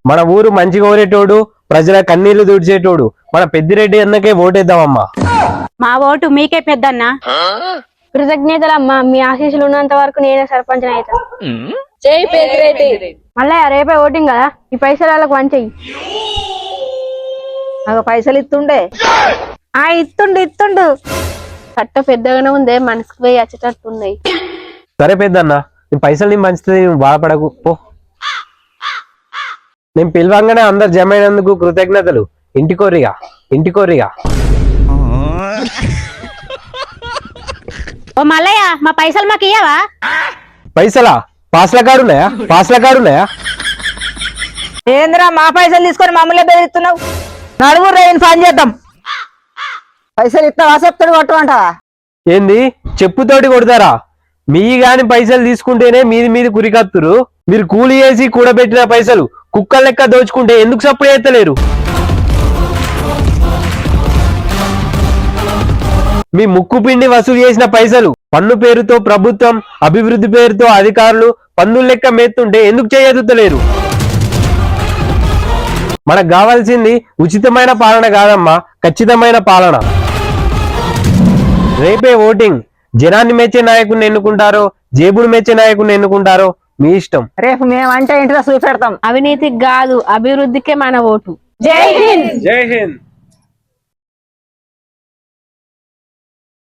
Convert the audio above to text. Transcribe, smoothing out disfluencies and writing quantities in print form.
మన ఊరు మంచిగా ఓరేటోడు, ప్రజల కన్నీళ్లు తుడిచేటోడు మన పెద్దిరెడ్డి అన్నకే ఓటేద్దామమ్మా. మా ఓటు మీకే పెద్దన్న. కృతజ్ఞతలమ్మా, మీ ఆశీస్సులు ఉన్నంత వరకు నేనే సర్పంచ్ అవుతా. జై పెద్దిరెడ్డి. మళ్ళీ రేపే ఓటింగ్ కదా, ఈ పైసలు వాళ్ళకి వంచెయ్యి. నాకు పైసలు ఇస్తుండే. ఇత్తుండు కట్ట పెద్దగానే ఉందే, మనసుకు పోయి వచ్చేటట్టున్నాయి. సరే పెద్దన్న, నీ పైసలు నీ మంచిది, నువ్వు బాధపడకు పో. నేను పిలవంగానే అందరు జమ అయినందుకు కృతజ్ఞతలు. ఇంటికోరిగా. ఓ మల్లయ్య, మా పైసలు మాకు ఇయ్యవా? పైసలా? పాస్ల కాడున్నాయా? ఏంద్రా మా పైసలు తీసుకొని మమ్మల్ని బెదిరిస్తున్నావు? నడువు రేయని పని చేద్దాం. పైసలు ఇస్తావా చెప్తాడు కొట్టమంటావా? ఏంది చెప్పుతోటి కొడతారా? మీ గాని పైసలు తీసుకుంటేనే మీది కురికత్తురు. మీరు కూలి చేసి కూడబెట్టిన పైసలు కుక్కల లెక్క దోచుకుంటే ఎందుకు సప్పుడు చేస్తలేరు? మీ ముక్కు పిండి వసూలు చేసిన పైసలు పన్ను పేరుతో ప్రభుత్వం, అభివృద్ధి పేరుతో అధికారులు పన్నుల లెక్క మేస్తుంటే ఎందుకు చేయదుతలేరు? మనకు కావాల్సింది ఉచితమైన పాలన కాదమ్మా, ఖచ్చితమైన పాలన. రేపే ఓటింగ్. జనాన్ని మెచ్చే నాయకుడిని ఎన్నుకుంటారో, జేబుడు మెచ్చే నాయకుడిని ఎన్నుకుంటారో మీ ఇష్టం. రేపు మేమంటే ఇంట్లో చూపెడతాం. అవినీతికి కాదు, అభివృద్ధికే మన ఓటు. జై హింద్. జై హింద్.